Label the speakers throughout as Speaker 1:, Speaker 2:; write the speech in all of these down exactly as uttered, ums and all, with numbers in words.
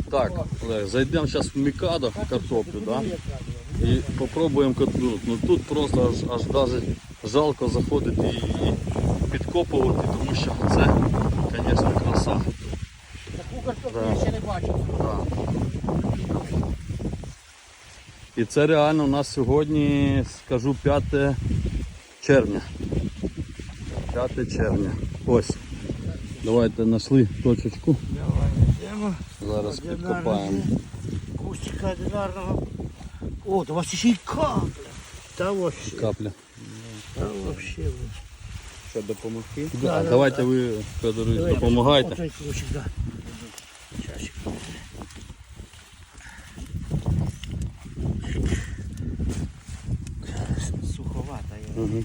Speaker 1: Так, Олег, зайдемо зараз в Мікадо картоплю, да? І спробуємо катнути. Ну тут просто аж, аж даже жалко заходити і підкопувати, тому що це, звісно, краса.
Speaker 2: Таку картоплю я ще не бачив.
Speaker 1: Да. І це реально у нас сьогодні, скажу, п'яте червня. п'яте червня. Ось. Давайте знайшли точечку.
Speaker 2: Давай йдемо.
Speaker 1: Зараз підкопаємо.
Speaker 2: Кустика одинарного. О, то у вас ще й капля. Та вообще.
Speaker 1: Капля.
Speaker 2: Та вообще.
Speaker 1: Що, допомогти?
Speaker 2: Да,
Speaker 1: Да,
Speaker 2: да,
Speaker 1: давайте
Speaker 2: да.
Speaker 1: ви, Федорович,
Speaker 2: Давай,
Speaker 1: допомагайте.
Speaker 2: отой ключик, да. Часик. Суховата я.
Speaker 1: Угу.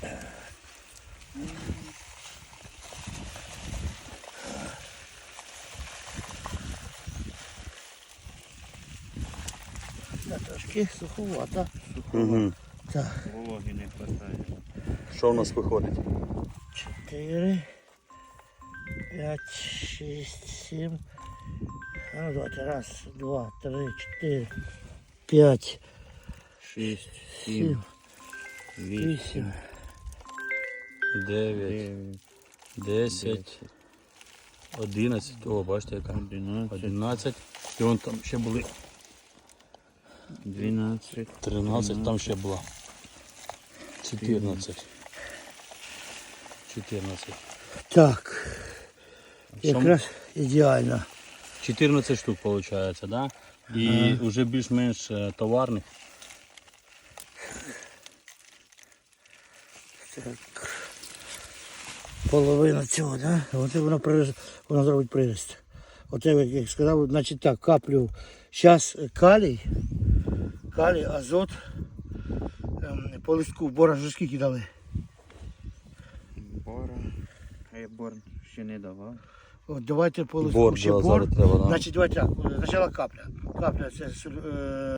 Speaker 2: Да, трошки суховата.
Speaker 1: Угу.
Speaker 2: Так.
Speaker 3: Вологи не хватає.
Speaker 1: Що у нас виходить?
Speaker 2: Чотири, п'ять, шість, сім. А ну давайте. Раз, два, три, чотири, п'ять,
Speaker 3: Шість,
Speaker 2: сім,
Speaker 3: сім,
Speaker 2: вісім,
Speaker 3: вісім,
Speaker 1: дев'ять,
Speaker 3: дев'ять,
Speaker 1: десять, одинадцять. О, бачите яка?
Speaker 3: одинадцять,
Speaker 1: одинадцять. І вон там ще були
Speaker 3: дванадцять,
Speaker 1: тринадцять, там ще було чотирнадцять. чотирнадцять.
Speaker 2: Так,
Speaker 1: Що?
Speaker 2: якраз ідеально.
Speaker 1: чотирнадцять штук виходить, да? І
Speaker 2: Ага.
Speaker 1: вже більш-менш е, товарних.
Speaker 2: Так. Половина цього, да? Оце воно, приріст, воно зробить прирост. Оце, як я сказав, значить так, каплю. Зараз калій, калій, азот, ем, по листку, бора вже скільки дали?
Speaker 3: бора. А я бор ще не давав.
Speaker 2: От давайте по листку
Speaker 1: Бор,
Speaker 2: ще
Speaker 1: да,
Speaker 2: бор.
Speaker 1: зараз треба, да.
Speaker 2: Значить, давайте так, спочатку капля. Капля це е,